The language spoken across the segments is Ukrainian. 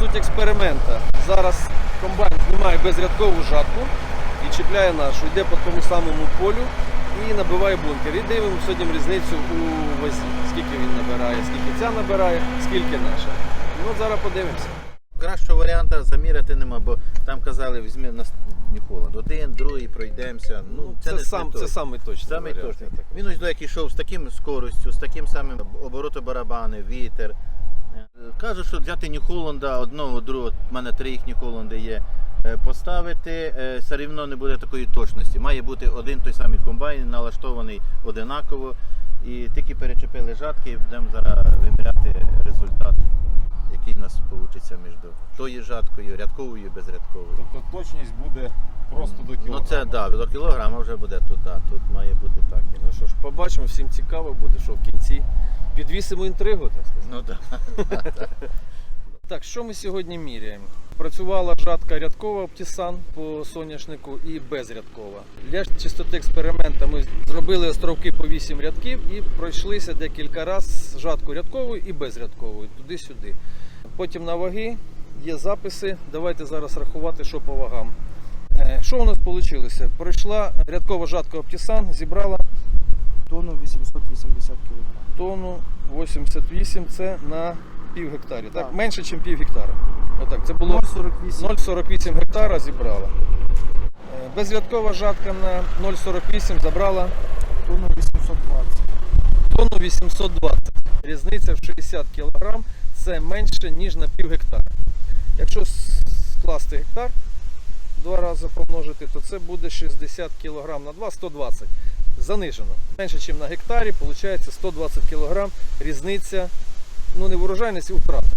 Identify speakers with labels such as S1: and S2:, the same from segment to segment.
S1: суть експеримента. Зараз комбайн знімає безрядкову жатку і чіпляє нашу. Йде по тому самому полю і набиває бункер. І дивимо сьогодні різницю у вазі. Скільки він набирає, скільки ця набирає, скільки наша. Ну, зараз подивимося.
S2: Кращого варіанту заміряти нема, бо там казали, візьми на Нью-Холланд. Один, другий, пройдемося. Ну,
S1: це самий точний
S2: Самий
S1: варіант.
S2: точний. Він ось до як йшов з таким скоростю, з таким самим оборотом барабани, вітер. Кажуть, що взяти Нью-Холланда, одного, другого, в мене 3 їх Нью-Холланди є, поставити, все рівно не буде такої точності. Має бути один той самий комбайн, налаштований одинаково. І тільки перечепили жатки і будемо зараз виміряти результат, який у нас вийде між тою жаткою, рядковою і безрядковою.
S3: Тобто точність буде просто до кілограма?
S2: Ну це так, до кілограма вже буде тут, да, тут має бути так.
S1: Ну що ж, побачимо, всім цікаво буде, що в кінці підвісимо інтригу, так сказати.
S2: Ну так.
S1: Так, що ми сьогодні міряємо? Працювала жатка рядкова Optisan по соняшнику і безрядкова. Для чистоти експерименту ми зробили островки по 8 рядків і пройшлися декілька разів жатку рядковою і безрядковою, туди-сюди. Потім на ваги є записи, давайте зараз рахувати, що по вагам. Що у нас вийшло? Пройшла рядкова жатка Optisan, зібрала
S4: Тонну 880 кг.
S1: тонну 88, це на пів гектарі, так?
S4: Так.
S1: Менше, ніж пів гектара. Отак, це було 0,48 гектара зібрала. Безрядкова жатка на 0,48 забрала
S4: Тонну 820.
S1: тонну 820. Різниця в 60 кг це менше, ніж на пів гектара. Якщо скласти гектар, 2 рази помножити, то це буде 60 кг на 2, 120. Занижено. Менше, ніж на гектарі, виходить 120 кг різниця, ну не в урожайності, у втратах.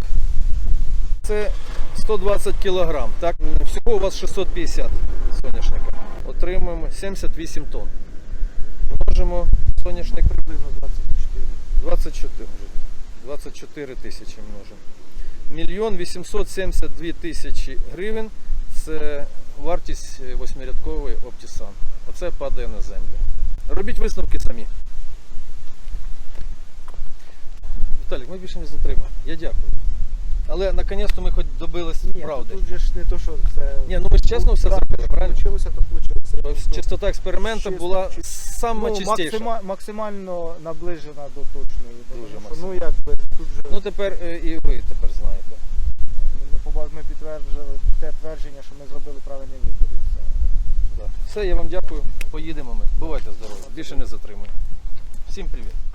S1: Це 120 кг. Так? Всього у вас 650 соняшника. Отримуємо 78 тонн. Множимо соняшник
S4: Приблизно 24.
S1: 24 тисячі множимо. 1 872 тисячі гривень – це вартість 8-рядкової Optisan. Оце падає на землю. Робіть висновки самі. Віталік, ми більше не затримаємо. Я дякую. Але наконець-то ми хоч добились правди.
S4: Тут же ж не то, що це...
S1: Ні, ну ми ж чесно все зробили, правильно?
S4: Получилося, то получилося.
S1: Чистота експерименту була сама чистіша.
S4: Максимально наближена до точної.
S1: Дуже
S4: Тому що,
S1: максимально.
S4: ну якби тут же...
S1: Ну тепер і ви тепер знаєте.
S4: Ми підтверджували те твердження, що ми зробили правильний вибір. І все.
S1: Все, я вам дякую. Поїдемо ми. Бувайте здорові. Більше не затримую. Всім привіт.